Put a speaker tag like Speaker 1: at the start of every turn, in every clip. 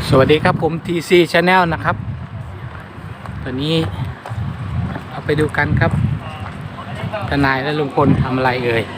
Speaker 1: สวัสดีครับผม TC Channel นะครับตอนนี้เราไปดูกันครับทนายและลุงพลทำอะไรเอ่ย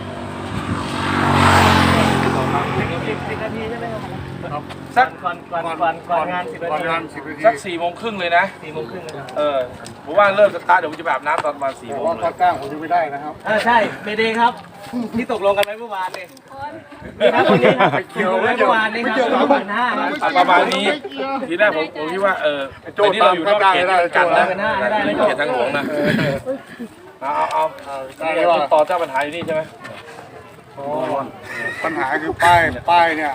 Speaker 2: สักก่อนงาน10 นาทีสัก4 โมงครึ่งเลยนะ4 โมงครึ่งผมว่าเริ่มสตาร์ทเดี๋ยวผมจะแบบน้ำตอนประมาณ4 โมงเลย
Speaker 3: จ้างผมจะไม่ได้นะครับ
Speaker 2: ใช่เมเดย์ครับที่ตกลงกันไว้เมื่อวานนี่ครับคนนี้ครับเกี่ยวไว้เมื่อวานนี่ครับประมาณนี้ทีแรกผมคิดว่าแต่นี่เราอยู่นอกเขตกันนะเขตทางหลวงนะเอาต่อเจ้าปัญหาอยู่นี่ใช่ไหม
Speaker 3: ปัญหาคือป้ายเนี่ย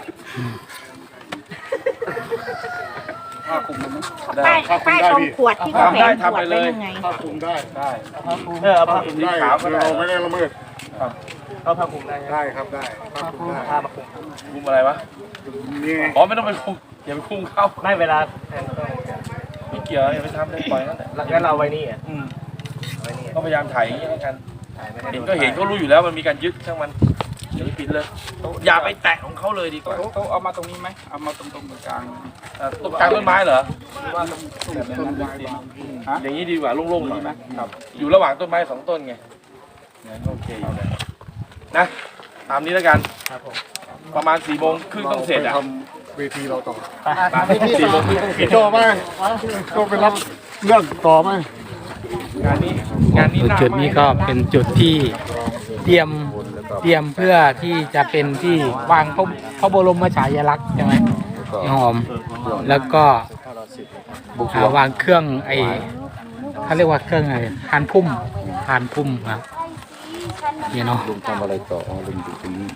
Speaker 4: ป้ายตรงขวดที่เขาแขวนขวดไว้ยังไง
Speaker 3: ผ้าคลุมได้
Speaker 2: เอาผ้าคลุมได้ขาวก็ได้
Speaker 3: เราไม่ได้ละเมิด
Speaker 2: เอาผ้าคลุมได้
Speaker 3: ได้ครับได้ผ้าคลุมได้
Speaker 2: ผ้ามาคลุมอะไรวะ
Speaker 3: นี่
Speaker 2: อ๋อไม่ต้องไปคลุมอย่าไปคลุมเข้าไม่เวลาไม่เกี่ยวอย่าไปทำเลยปล่อยนั่นแหละงั้นเราไว้นี่ก็พยายามถ่ายอย่างนี้กันเห็นก็เห็นก็รู้อยู่แล้วมันมีการยึดช่างมันอย่าไปปิดเลยอย่าไปแตะของเขาเลยดีกว่าเขาเอามาตรงนี้ไหมเอามาตรงกลางตรงกลางต้นไม้เหรอว่าตรงอย่างนี้ดีกว่าโล่งๆหน่อยนะครับอยู่ระหว่างต้นไม้2 ต้นไงงั้นโอเคอยู่นะตามนี้แล้วกันประมาณ4 โมงครึ่งต้องเสร็จอ่ะ
Speaker 3: ทำเวทีเราต่อ
Speaker 2: 4 โมงครึ่งต้องเสร็จ
Speaker 3: โจไหมโจไปรับเรื่องต่อไหม
Speaker 2: งานนี้
Speaker 1: จุดนี้ก็เป็นจุดที่เตรียมเพื่อที่จะเป็นที่วางพระบรมฉายาลักษณ์ใช่ไหมพี่หอมแล้วก็วางเครื่องเขาเรียกว่าเครื่องอะไรพานพุ่มครับนี่เนาะลุงทำอะไรต่อลุงอยู่ตรงนี้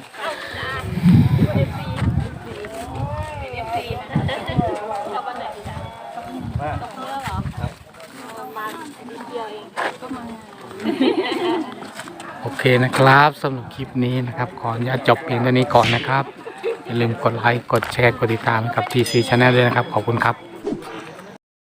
Speaker 1: โอเคนะครับสำหรับคลิปนี้นะครับขออนุญาตจบเพียงเท่านี้ก่อนนะครับอย่าลืมกดไลค์กดแชร์กดติดตามกับ TC Channel ด้วยนะครับขอบคุณครับ